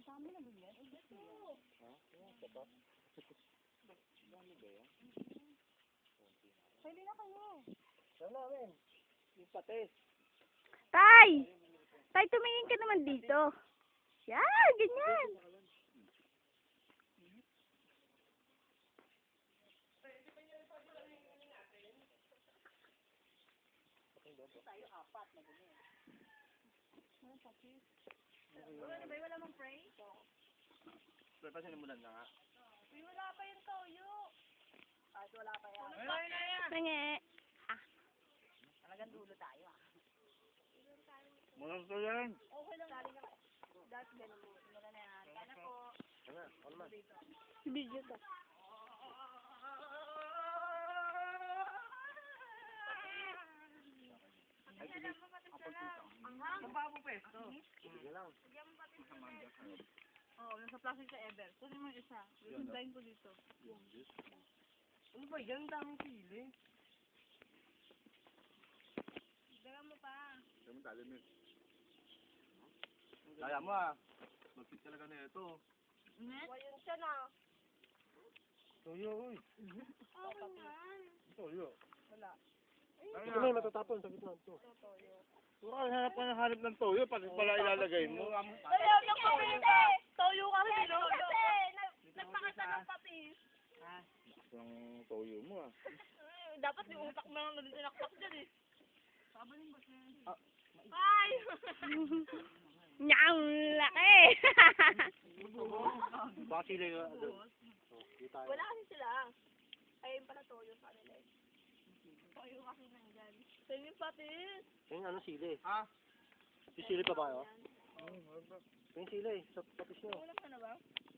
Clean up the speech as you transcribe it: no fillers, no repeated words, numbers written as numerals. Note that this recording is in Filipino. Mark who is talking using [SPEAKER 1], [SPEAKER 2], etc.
[SPEAKER 1] Kasama na ba yan?
[SPEAKER 2] Ha? Sapat? Dami ba yan?
[SPEAKER 1] Pwede na kayo.
[SPEAKER 2] Saan namin? Yung patis.
[SPEAKER 3] Tay! Tay, tumingin ka naman dito. Yan, ganyan.
[SPEAKER 1] Tayo apat na ganyan. Ano pakis? Ano ba? Wala mong pray?
[SPEAKER 2] Pero pa sinimulan na nga.
[SPEAKER 1] Uy, wala pa yung toyo. Kahit wala pa yan.
[SPEAKER 3] Nange.
[SPEAKER 1] Talagang dulo tayo ah.
[SPEAKER 2] Mulang to yan.
[SPEAKER 1] Okay lang. Dali na. That's ganun mo. Mula na yan. Kaya na po.
[SPEAKER 2] Ano? Ano man?
[SPEAKER 3] Video to.
[SPEAKER 2] Ay, sige.
[SPEAKER 1] Ang babo pesto.
[SPEAKER 2] Sige lang.
[SPEAKER 1] Oo, nasa plastic sa Ever. Kunin mo yung isa. Hintayin ko dito.
[SPEAKER 2] Ano ba yan? Daming sili.
[SPEAKER 1] Dagan mo pa.
[SPEAKER 2] Kaya mo talim eh. Kaya mo ah. Magpit talaga na ito.
[SPEAKER 1] Wayon siya na.
[SPEAKER 2] Toyo, uy.
[SPEAKER 1] Okay man.
[SPEAKER 2] Toyo.
[SPEAKER 1] Wala.
[SPEAKER 2] Ito may matatapon sa gitna ito.
[SPEAKER 1] Toyo.
[SPEAKER 2] Kung hanap ka ng hanap ng toyo, pati pala ilalagay mo.
[SPEAKER 1] Ayaw ng papis eh! Toyo kasi, no? Kasi, nagpakita ng papis.
[SPEAKER 2] Ang toyo mo ah.
[SPEAKER 1] Dapat yung utak mo lang na tinaktak dyan eh. Sabanin ba siya?
[SPEAKER 2] Ah.
[SPEAKER 1] Ay!
[SPEAKER 3] Nyang laki.
[SPEAKER 2] Baka sila yung
[SPEAKER 1] Wala kasi sila. Ayun pala toyo sa kanila eh. Toyo kasi nandyan. Saan yung papis?
[SPEAKER 2] yung ano sili? Ha? Yung sili pa ba yun? Yung sili, sa patis nyo.
[SPEAKER 1] Ulam ka na ba?